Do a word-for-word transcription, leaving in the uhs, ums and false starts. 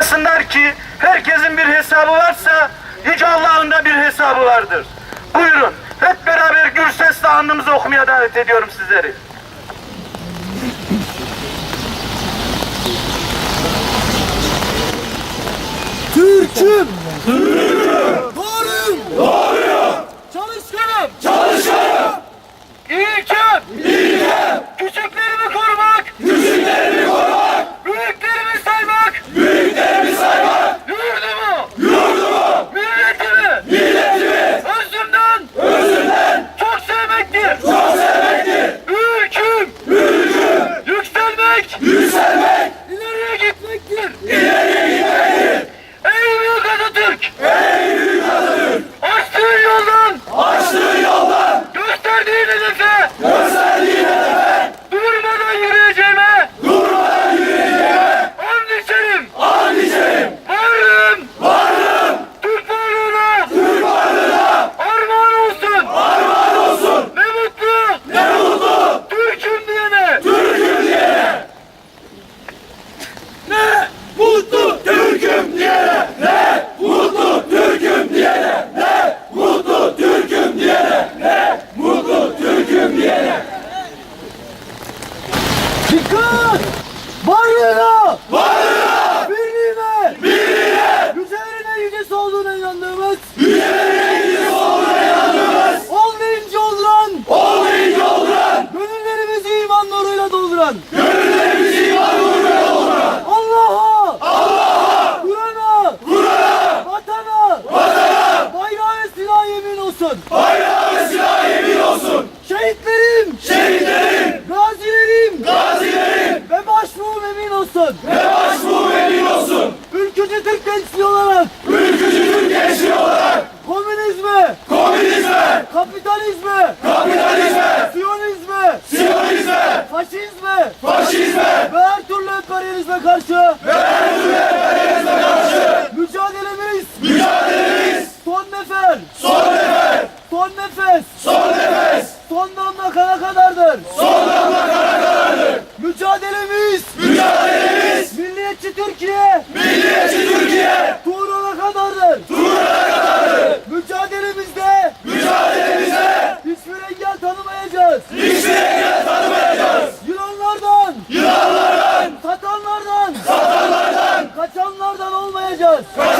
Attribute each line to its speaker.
Speaker 1: Unutmasınlar ki herkesin bir hesabı varsa Yüce Allah'ın da bir hesabı vardır. Buyurun hep beraber gür sesle andımızı okumaya davet ediyorum sizleri.
Speaker 2: Türk'üm, Türk'üm, doğruyum, doğruyum, çalışkanım, çalışkanım,
Speaker 1: İlkem,
Speaker 2: bilgem,
Speaker 1: küçüklerimi korumak,
Speaker 2: küçüklerimi korumak,
Speaker 1: büyüklerimi saymak,
Speaker 2: büyüklerimi saymak,
Speaker 1: yurdumu,
Speaker 2: yurdumu,
Speaker 1: milletimi,
Speaker 2: milletimi,
Speaker 1: özümden,
Speaker 2: özünden
Speaker 1: çok sevmektir.
Speaker 2: çok sevmektir.
Speaker 1: Ülküm,
Speaker 2: Ülküm,
Speaker 1: yükselmek,
Speaker 2: yükselmek,
Speaker 1: ileriye gitmektir.
Speaker 2: ileriye gitmektir.
Speaker 1: Ey büyük Atatürk,
Speaker 2: Ey büyük Atatürk,
Speaker 1: açtığın yoldan,
Speaker 2: açtığın yoldan,
Speaker 1: gösterdiğin hedefe,
Speaker 2: gösterdiğin hedefe,
Speaker 1: durmadan yürüyeceğime,
Speaker 2: durmadan yürüyeceğime,
Speaker 1: and içerim,
Speaker 2: and içerim.
Speaker 1: varlığım,
Speaker 2: Varlığım,
Speaker 1: Türk varlığına,
Speaker 2: Türk varlığına,
Speaker 1: armağan olsun.
Speaker 2: armağan olsun.
Speaker 1: Ne mutlu,
Speaker 2: Ne mutlu,
Speaker 1: Türk'üm diyene.
Speaker 2: Türk'üm diyene. Ne mutlu Türk'üm diyene. Ne mutlu Türk'üm diyene. Ne mutlu Türk'üm diyene. Ne mutlu Türk'üm diyene.
Speaker 3: Dikkat! Varlığına,
Speaker 2: Varlığına,
Speaker 3: birliğine,
Speaker 2: birliğine,
Speaker 3: güzelliğine yücesi olduğuna inandığımız,
Speaker 2: yücelerine ilgisi olduğuna inandığımız,
Speaker 3: olmayınca olduran,
Speaker 2: olmayınca olduran,
Speaker 3: gönüllerimizi iman nuruyla dolduran,
Speaker 2: gönüllerimizi iman nuruyla dolduran,
Speaker 3: Allah'a,
Speaker 2: Allah'a,
Speaker 3: Kur'an'a,
Speaker 2: Kur'an'a,
Speaker 3: vatana,
Speaker 2: vatana,
Speaker 3: bayrağı ve silah yemin olsun.
Speaker 2: bayrağı ve silah yemin olsun.
Speaker 3: Şehitlerim,
Speaker 2: Şehitlerim,
Speaker 3: gazilerim
Speaker 2: gazilerim
Speaker 3: ve başbuğum emin olsun.
Speaker 2: ve başbuğum emin olsun.
Speaker 3: Ülkücü Türk gençliği olarak
Speaker 2: Ülkücü Türk gençliği olarak
Speaker 3: komünizme,
Speaker 2: komünizme,
Speaker 3: kapitalizme,
Speaker 2: kapitalizme,
Speaker 3: siyonizme,
Speaker 2: siyonizme,
Speaker 3: faşizme
Speaker 2: faşizme
Speaker 3: ve her türlü emperyalizme karşı
Speaker 2: ve her türlü emperyalizme karşı
Speaker 3: mücadelemiz
Speaker 2: mücadelemiz
Speaker 3: son nefer,
Speaker 2: son nefer,
Speaker 3: son nefes,
Speaker 2: son nefes,
Speaker 3: son damla kana kadardır.
Speaker 2: son damla kana kadardır.
Speaker 3: Mücadelemiz
Speaker 2: Mücadelemiz
Speaker 3: milliyetçi Türkiye
Speaker 2: milliyetçi Türkiye
Speaker 3: tuğruna kadardır.
Speaker 2: Tuğra'na kadardır.
Speaker 3: Mücadelemizde
Speaker 2: Mücadelemizde
Speaker 3: hiçbir engel tanımayacağız.
Speaker 2: hiçbir engel tanımayacağız.
Speaker 3: Yılanlardan,
Speaker 2: Yılanlardan,
Speaker 3: satanlardan,
Speaker 2: satanlardan,
Speaker 3: kaçanlardan olmayacağız.
Speaker 2: kaçanlardan